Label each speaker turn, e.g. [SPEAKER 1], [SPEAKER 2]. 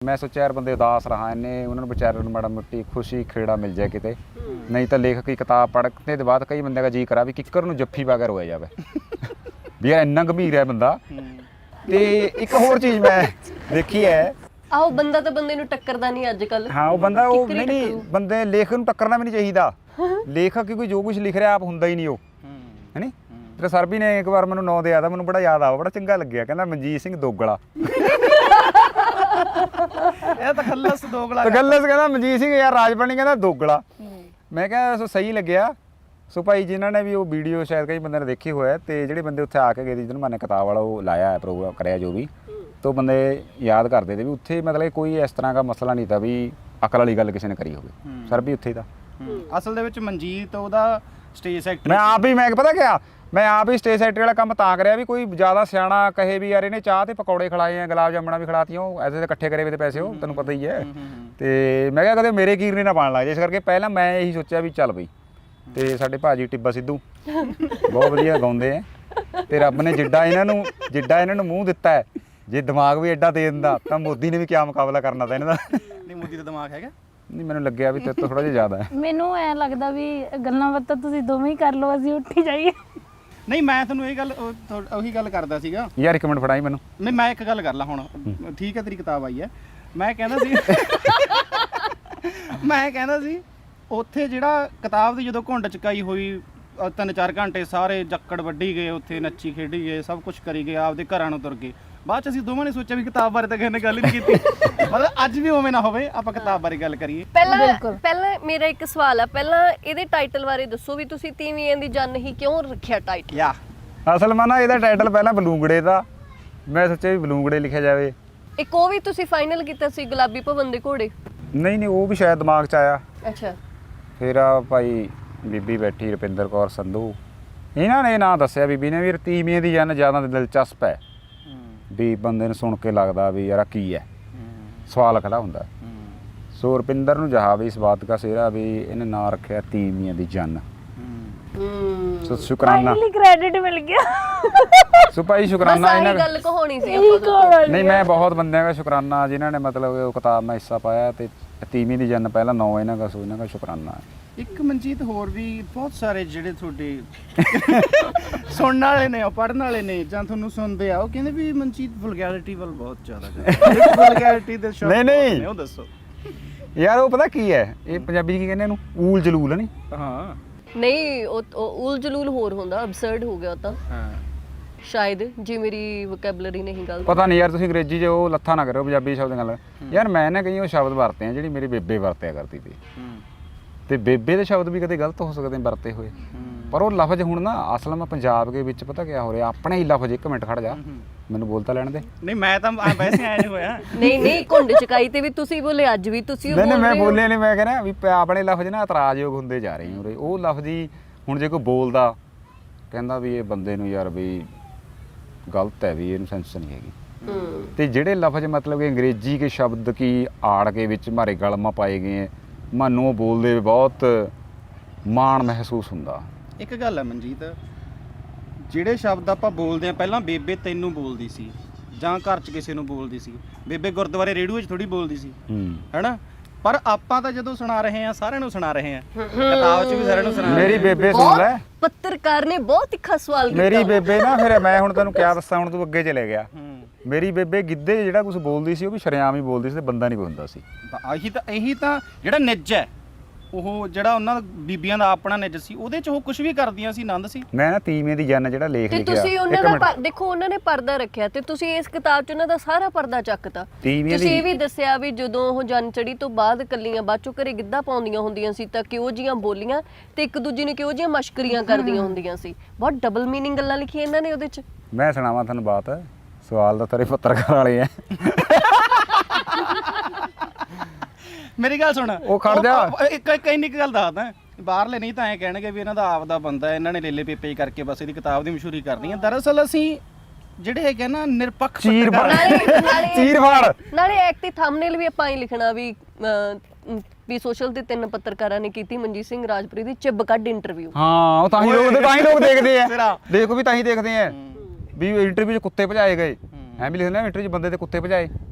[SPEAKER 1] ਮੈਂ ਸੋਚਿਆ ਯਾਰ ਬੰਦੇ ਉਦਾਸ ਰਹਾ ਇੰਨੇ ਉਹਨਾਂ ਨੂੰ ਵਿਚਾਰਿਆਂ ਨੂੰ ਮਾੜਾ ਮੋਟੀ ਖੁਸ਼ੀ ਖੇੜਾ ਮਿਲ ਜਾਏ ਕਿਤੇ ਨਹੀਂ ਤਾਂ ਲੇਖਕ ਦੀ ਕਿਤਾਬ ਪੜ੍ਹਨੇ ਦੇ ਬਾਅਦ ਕਈ ਬੰਦਿਆਂ ਦਾ ਜੀ ਕਰਾ ਵੀ ਕਿੱਕਰ ਨੂੰ ਜੱਫੀ ਪਾ ਕੇ ਰੋਇਆ ਜਾਵੇ ਵੀ ਯਾਰ ਇੰਨਾ ਗੰਭੀਰ ਹੈ ਬੰਦਾ। ਤੇ ਇੱਕ ਹੋਰ ਚੀਜ਼ ਮੈਂ ਦੇਖੀ ਹੈ
[SPEAKER 2] ਆਹੋ ਬੰਦਾ ਤਾਂ ਬੰਦੇ ਨੂੰ ਟੱਕਰਦਾ ਨਹੀਂ ਅੱਜ ਕੱਲ।
[SPEAKER 1] ਹਾਂ ਉਹ ਬੰਦਾ ਉਹ ਨਹੀਂ ਬੰਦੇ ਲੇਖਕ ਨੂੰ ਟੱਕਰਨਾ ਵੀ ਨਹੀਂ ਚਾਹੀਦਾ। ਲੇਖਕ ਕਿਉਂਕਿ ਜੋ ਕੁਝ ਲਿਖ ਰਿਹਾ ਆਪ ਹੁੰਦਾ ਹੀ ਨਹੀਂ ਉਹ ਹੈ ਨੀ। ਤੇਰੇ ਸਰ ਵੀ ਨੇ ਇੱਕ ਵਾਰ ਮੈਨੂੰ ਨਾਂ ਦਿਆ ਤਾਂ ਮੈਨੂੰ ਬੜਾ ਯਾਦ ਆਵਾ ਬੜਾ ਚੰਗਾ ਲੱਗਿਆ ਕਹਿੰਦਾ ਮਨਜੀਤ ਸਿੰਘ ਦੋਗਲਾ
[SPEAKER 3] ਇਹ ਤਾਂ ਖੱਲਸ ਦੋਗਲਾ
[SPEAKER 1] ਗੱਲਸ ਕਹਿੰਦਾ ਮਨਜੀਤ ਸਿੰਘ ਯਾਰ ਰਾਜਪਾਲ ਕਹਿੰਦਾ ਦੋਗਲਾ। ਮੈਂ ਕਿਹਾ ਸੋ ਸਹੀ ਲੱਗਿਆ। ਸੋ ਭਾਈ ਜਿਨ੍ਹਾਂ ਨੇ ਵੀ ਉਹ ਵੀਡੀਓ ਸ਼ਾਇਦ ਕਈ ਬੰਦਿਆਂ ਨੇ ਦੇਖੀ ਹੋਇਆ ਤੇ ਜਿਹੜੇ ਬੰਦੇ ਉੱਥੇ ਆ ਕੇ ਗਏ ਜਿਹਨੂੰ ਮੈਨੇ ਕਿਤਾਬ ਵਾਲਾ ਉਹ ਲਾਇਆ ਹੈ ਪ੍ਰੋਗਰਾਮ ਕਰਿਆ ਜੋ ਵੀ तो बंदे याद करते थे भी उत्थे मतलब कोई इस तरह का मसला नहीं था भी अकल वाली गल किसी ने करी होवे सर भी उत्थे था।
[SPEAKER 3] ਅਸਲ ਦੇ ਵਿੱਚ ਮਨਜੀਤ ਉਹਦਾ ਸਟੇਜ ਸੈਕਟਰ
[SPEAKER 1] मैं पता क्या मैं आप ही स्टेज सैक्टरी वाला काम तां करिया भी कोई ज़्यादा सियाना कहे भी यार इन्हें चाह ते पकौड़े खिलाए हैं गुलाब जामुना भी खिलाती ऐसे तो इकट्ठे करे हुए थे पैसे हो तेन पता ही है। तो मैं क्या कदे मेरे कीरने ना पान लग जाए इस करके पहला मैं यही सोचा भी चल बई तो साडे भाजी टिब्बा सिद्धू बहुत वधिया गाउंदे हैं ते रब ने जिड्डा इन्हां नूं मूँह दिता है जे दिमाग भी एडा दे दिंदा तां मोदी ने भी क्या मुकाबला करना था इन्हां दा।
[SPEAKER 3] ਨਹੀਂ ਮੋਦੀ ਦਾ ਦਿਮਾਗ ਹੈਗਾ
[SPEAKER 1] नहीं मैंने लग्या भी तेरे तो थोड़ा जिहा ज़्यादा है।
[SPEAKER 4] ਮੈਨੂੰ ਐ ਲੱਗਦਾ ਵੀ ਗੱਲਾਂ ਬਾਤਾਂ ਤੁਸੀਂ ਦੋਵੇਂ ਹੀ ਕਰ ਲਓ ਅਸੀਂ ਉੱਠੀ ਜਾਈਏ।
[SPEAKER 3] ਨਹੀਂ ਮੈਂ ਤੁਹਾਨੂੰ ਇਹ ਗੱਲ ਉਹੀ ਗੱਲ ਕਰਦਾ ਸੀਗਾ
[SPEAKER 1] यार एक मिनट फड़ाई मैनू
[SPEAKER 3] ਨਹੀਂ ਮੈਂ ਇੱਕ ਗੱਲ ਕਰ ਲਾ ਹੁਣ ਠੀਕ ਹੈ ਤੇਰੀ ਕਿਤਾਬ ਆਈ ਹੈ ਮੈਂ ਕਹਿੰਦਾ ਸੀ ਉੱਥੇ ਜਿਹੜਾ ਕਿਤਾਬ ਦੀ ਜਦੋਂ ਘੁੰਡ ਚਕਾਈ ਹੋਈ 3-4 ਘੰਟੇ ਸਾਰੇ ਜੱਕੜ ਵੱਢੀ ਗਏ ਉੱਥੇ ਨੱਚੀ ਖੇਡੀ ਗਏ ਸਭ ਕੁਝ ਕਰੀ ਗਏ ਆਪਦੇ ਘਰਾਂ ਨੂੰ ਤੁਰ ਗਏ ਬਾਅਦ ਚ ਅਸੀਂ ਦੋਵਾਂ ਨੇ ਸੋਚਿਆ ਵੀ ਕਿਤਾਬ ਬਾਰੇ ਤਾਂ ਕਿਸੇ ਨੇ ਗੱਲ ਹੀ ਨਹੀਂ ਕੀਤੀ ਮਤਲਬ ਅੱਜ ਵੀ ਉਵੇਂ ਨਾ ਹੋਵੇ ਆਪਾਂ ਕਿਤਾਬ ਬਾਰੇ ਗੱਲ ਕਰੀਏ।
[SPEAKER 2] ਪਹਿਲਾਂ ਮੇਰਾ ਇੱਕ ਸਵਾਲ ਆ ਪਹਿਲਾਂ ਇਹਦੇ ਟਾਈਟਲ ਬਾਰੇ ਦੱਸੋ ਵੀ ਤੁਸੀਂ ਤੀਵੀਆਂ ਦੀ ਜੰਨ ਹੀ ਕਿਉਂ ਰੱਖਿਆ ਟਾਈਟਲ।
[SPEAKER 3] ਯਾ
[SPEAKER 1] ਅਸਲ ਮਾਨਾ ਇਹਦਾ ਟਾਈਟਲ ਪਹਿਲਾਂ ਬਲੂੰਗੜੇ ਦਾ ਮੈਂ ਸੋਚਿਆ ਵੀ ਬਲੂੰਗੜੇ ਲਿਖਿਆ ਜਾਵੇ।
[SPEAKER 2] ਇੱਕ ਉਹ ਵੀ ਤੁਸੀਂ ਫਾਈਨਲ ਕੀਤਾ ਸੀ ਗੁਲਾਬੀ ਭਵਨ ਦੇ ਘੋੜੇ।
[SPEAKER 1] ਨਹੀਂ ਉਹ ਵੀ ਸ਼ਾਇਦ ਦਿਮਾਗ 'ਚ ਆਇਆ।
[SPEAKER 2] ਅੱਛਾ
[SPEAKER 1] ਫਿਰ ਆ ਭਾਈ ਬੀਬੀ ਬੈਠੀ ਰੁਪਿੰਦਰ ਕੌਰ ਸੰਧੂ ਇਹਨਾਂ ਨੇ ਨਾਂ ਦੱਸਿਆ ਬੀਬੀ ਨੇ ਵੀ ਤੀਵੀਆਂ ਦੀ ਜੰਨ ਜ਼ਿਆਦਾ ਦਿਲਚਸਪ ਹੈ ਵੀ ਬੰਦੇ ਨੂੰ ਸੁਣ ਕੇ ਲੱਗਦਾ ਵੀ ਯਾਰ ਕੀ ਹੈ ਸਵਾਲ ਖੜਾ ਹੁੰਦਾ। ਸੋ ਰੁਪਿੰਦਰ ਨੂੰ ਜਹਾ ਵੀ ਇਸ ਬਾਤ ਦਾ ਸਿਹਰਾ ਵੀ ਇਹਨੇ ਨਾਂ ਰੱਖਿਆ ਤੀਵੀਆਂ ਦੀ ਜੰਨ। ਸੋ ਸ਼ੁਕਰਾਨਾ
[SPEAKER 4] ਫਾਈਨਲੀ ਕ੍ਰੈਡਿਟ ਮਿਲ ਗਿਆ।
[SPEAKER 1] ਸੋ ਭਾਈ ਸ਼ੁਕਰਾਨਾ
[SPEAKER 2] ਇਹਨਾਂ ਗੱਲ ਕਹਾਣੀ ਸੀ ਆਪਾਂ
[SPEAKER 1] नहीं मैं बहुत बंदे का शुक्राना जिन्होंने मतलब वो किताब में हिस्सा पाया तो तीवीं दी जन पहला 9 इन्हों का सो इन्हों का शुक्राना है।
[SPEAKER 3] ਇੱਕ ਮਨਜੀਤ ਹੋਰ ਵੀ ਬਹੁਤ ਸਾਰੇ ਜਿਹੜੇ ਤੁਹਾਡੇ ਸੁਣਨ ਵਾਲੇ ਨੇ ਪੜ੍ਹਨ ਵਾਲੇ ਨੇ ਜਾਂ ਤੁਹਾਨੂੰ ਸੁਣਦੇ ਆ ਉਹ ਕਹਿੰਦੇ ਵੀ ਮਨਜੀਤ ਵਲਗੈਰਿਟੀ ਵੱਲ ਬਹੁਤ ਜ਼ਿਆਦਾ ਕਰਦਾ ਵਲਗੈਰਿਟੀ ਦੇ ਸ਼ੌਕ
[SPEAKER 1] ਨਹੀਂ
[SPEAKER 3] ਉਹ ਦੱਸੋ
[SPEAKER 1] यार वो पता की है ये पंजाबी की कहने ऊल जलूल नहीं।
[SPEAKER 3] ਹਾਂ
[SPEAKER 2] ਨਹੀਂ ਉਹ ਉਲ ਜਲੂਲ ਹੋਰ ਹੁੰਦਾ ਅਬਸਰਡ ਹੋ ਗਿਆ ਉਹ ਤਾਂ
[SPEAKER 3] ਹਾਂ
[SPEAKER 2] ਸ਼ਾਇਦ ਜੇ ਮੇਰੀ ਵੋਕੈਬਲਰੀ ਨਹੀਂ ਗਲਤ।
[SPEAKER 1] पता नहीं यार तुसीं अंग्रेजी 'ਚ ਉਹ ਲੱਥਾ ਨਾ करो पंजाबी शब्द गल यार मैं ना कई वो शब्द वरते हैं ਜਿਹੜੀ ਮੇਰੀ ਬੇਬੇ ਵਰਤਿਆ ਕਰਦੀ ਸੀ ਤੇ ਬੇਬੇ ਦੇ ਸ਼ਬਦ ਵੀ ਕਦੇ ਗਲਤ ਹੋ ਸਕਦੇ ਵਰਤੇ ਹੋਏ ਪਰ ਉਹ ਲਫ਼ਜ਼ ਹੁਣ ਨਾ ਅਸਲ ਮੈਂ ਪੰਜਾਬ ਦੇ ਵਿੱਚ ਪਤਾ ਕਿਆ ਹੋ ਰਿਹਾ ਆਪਣੇ ਹੀ ਲਫ਼ਜ਼ ਇੱਕ ਮਿੰਟ ਖੜ ਜਾ ਮੈਨੂੰ ਬੋਲਤਾ ਲੈਣ ਦੇ।
[SPEAKER 3] ਨਹੀਂ ਮੈਂ ਤਾਂ ਵੈਸੇ ਐਂ ਨਹੀਂ ਹੋਇਆ
[SPEAKER 2] ਨਹੀਂ ਘੁੰਡ ਚਕਾਈ ਤੇ ਵੀ ਤੁਸੀਂ ਬੋਲੇ ਅੱਜ ਵੀ ਤੁਸੀਂ
[SPEAKER 1] ਨਹੀਂ ਮੈਂ ਬੋਲਿਆ ਨਹੀਂ ਮੈਂ ਕਹਿੰਦਾ ਵੀ ਆਪਣੇ ਲਫ਼ਜ਼ ਨਾ ਇਤਰਾਜ਼ਯੋਗ ਹੁੰਦੇ ਜਾ ਰਹੇ ਉਰੇ ਉਹ ਲਫ਼ਜ਼ ਹੀ ਹੁਣ ਜੇ ਕੋਈ ਬੋਲਦਾ ਕਹਿੰਦਾ ਵੀ ਇਹ ਬੰਦੇ ਨੂੰ ਯਾਰ ਵੀ गलत है भी ये सेंस नहीं हैगी। तो ਜਿਹੜੇ लफ्ज़ मतलब कि अंग्रेजी के शब्द की आड़ के विच मारे गल में पाए गए हैं मानू बोलते बहुत माण महसूस ਹੁੰਦਾ।
[SPEAKER 3] ਇੱਕ ਗੱਲ ਹੈ ਮਨਜੀਤ ਜਿਹੜੇ ਸ਼ਬਦ ਆਪਾਂ ਬੋਲਦੇ ਆ ਪਹਿਲਾਂ ਬੇਬੇ ਤੈਨੂੰ ਬੋਲਦੀ ਸੀ ਜਾਂ ਘਰ 'ਚ ਕਿਸੇ ਨੂੰ ਬੋਲਦੀ ਸੀ ਬੇਬੇ ਗੁਰਦੁਆਰੇ ਰੇਡੀਓ 'ਚ ਥੋੜੀ ਬੋਲਦੀ ਸੀ ਹੈਨਾ ਪਰ ਆਪਾਂ ਤਾਂ ਜਦੋਂ ਸੁਣਾ ਰਹੇ ਆ ਸਾਰਿਆਂ ਨੂੰ ਸੁਣਾ ਰਹੇ ਆ ਕਿਤਾਬ 'ਚ ਵੀ ਸਾਰਿਆਂ ਨੂੰ ਸੁਣਾ
[SPEAKER 1] ਮੇਰੀ ਬੇਬੇ ਸੁਣ ਲੈ
[SPEAKER 2] ਪੱਤਰਕਾਰ ਨੇ ਬਹੁਤ ਤਿੱਖਾ ਸਵਾਲ ਕੀਤਾ
[SPEAKER 1] ਮੇਰੀ ਬੇਬੇ ਨਾ ਫਿਰ ਮੈਂ ਹੁਣ ਤੈਨੂੰ ਕਿਆ ਦੱਸਾਂ ਹੁਣ ਤੂੰ ਅੱਗੇ ਚਲੇ ਗਿਆ ਮੇਰੀ ਬੇਬੇ ਗਿੱਧੇ ਜਿਹੜਾ ਕੁਝ ਬੋਲਦੀ ਸੀ ਉਹ ਵੀ ਸ਼ਰੇਆਮ ਹੀ ਬੋਲਦੀ ਸੀ ਤੇ ਬੰਦਾ ਨਹੀਂ ਕੋਈ ਹੁੰਦਾ ਸੀ।
[SPEAKER 3] ਇਹੀ ਤਾਂ ਜਿਹੜਾ ਨਿੱਜ ਹੈ ਉਹ ਜਿਹੜਾ ਉਹਨਾਂ ਬੀਬੀਆਂ ਦਾ ਆਪਣਾ ਨਿੱਜ ਸੀ ਉਹਦੇ 'ਚ ਉਹ ਕੁਝ ਵੀ ਕਰਦੀਆਂ ਸੀ ਆਨੰਦ ਸੀ।
[SPEAKER 1] ਮੈਂ ਨਾ ਤੀਵੀਂ ਦੀ ਜੰਨ ਜਿਹੜਾ ਲੇਖ
[SPEAKER 2] ਤੇ
[SPEAKER 1] ਲਿਖਿਆ
[SPEAKER 2] ਤੁਸੀਂ ਉਹਨਾਂ ਦਾ ਦੇਖੋ ਉਹਨਾਂ ਨੇ ਪਰਦਾ ਰੱਖਿਆ ਤੇ ਤੁਸੀਂ ਇਸ ਕਿਤਾਬ 'ਚ ਉਹਨਾਂ ਦਾ ਸਾਰਾ ਪਰਦਾ ਚੱਕਤਾ। ਤੁਸੀਂ ਇਹ ਵੀ ਦੱਸਿਆ ਵੀ ਜਦੋਂ ਉਹ ਜੰਨ ਚੜੀ ਤੋਂ ਬਾਅਦ ਕੱਲੀਆਂ ਬਾਅਦ ਚੋਂ ਘਰੇ ਗਿੱਧਾ ਪਾਉਂਦੀਆਂ ਹੁੰਦੀਆਂ ਸੀ ਤਾਂ ਕਿਉਂ ਜੀਆਂ ਬੋਲੀਆਂ ਤੇ ਇੱਕ ਦੂਜੀ ਨੂੰ ਕਿਉਂ ਜੀਆਂ ਮਸ਼ਕਰੀਆਂ ਕਰਦੀਆਂ ਹੁੰਦੀਆਂ ਸੀ। ਬਹੁਤ ਡਬਲ ਮੀਨਿੰਗ ਗੱਲਾਂ ਲਿਖੀਆਂ ਇਹਨਾਂ ਨੇ ਉਹਦੇ 'ਚ।
[SPEAKER 1] ਮੈਂ ਸੁਣਾਵਾਂ ਤੁਹਾਨੂੰ ਬਾਤ ਸਵਾਲ ਦਾ ਤੇਰੇ ਪੱਤਰਕਾਰ ਵਾਲੇ ਆ
[SPEAKER 3] ਮੇਰੀ ਗੱਲ ਸੁਣ
[SPEAKER 1] ਉਹ ਖੜ ਜਾ
[SPEAKER 3] ਇੱਕ ਇੰਨੀ ਗੱਲ ਦੱਸਦਾ ਬਾਹਰਲੇ ਨਹੀਂ ਤਾਂ ਐਂ ਕਹਿਣਗੇ ਵੀ ਇਹਨਾਂ ਦਾ ਆਪਦਾ ਬੰਦਾ ਇਹਨਾਂ ਨੇ ਲੇਲੇ ਪੇਪੇ ਕਰਕੇ ਬਸ ਇਹਦੀ ਕਿਤਾਬ ਦੀ ਮਸ਼ਹੂਰੀ ਕਰਨੀ ਹੈ ਦਰਅਸਲ ਅਸੀਂ ਜਿਹੜੇ ਹੈਗੇ ਨਾ ਨਿਰਪੱਖ
[SPEAKER 2] ਨਾਲੇ ਇੱਕ ਤੇ ਥੰਬਨੇਲ ਵੀ ਆਪਾਂ ਹੀ ਲਿਖਣਾ ਵੀ ਸੋਸ਼ਲ ਤੇ 3 ਪੱਤਰਕਾਰਾਂ ਨੇ ਕੀਤੀ ਮਨਜੀਤ ਸਿੰਘ ਰਾਜਪੁਰੀ ਦੀ ਚਿੱਬ ਕੱਢ ਇੰਟਰਵਿਊ।
[SPEAKER 1] ਹਾਂ ਉਹ ਤਾਂ ਹੀ ਲੋਕ ਦੇਖਦੇ ਆ ਦੇਖੋ ਵੀ ਤਾਂ ਹੀ ਦੇਖਦੇ ਆ ਵੀ ਇੰਟਰਵਿਊ 'ਚ ਕੁੱਤੇ ਭਜਾਏ ਗਏ ਐਂ ਵੀ ਲਿਖਦੇ ਨੇ ਇੰਟਰਵਿਊ 'ਚ ਬੰਦੇ ਤੇ ਕੁੱਤੇ ਭਜਾਏ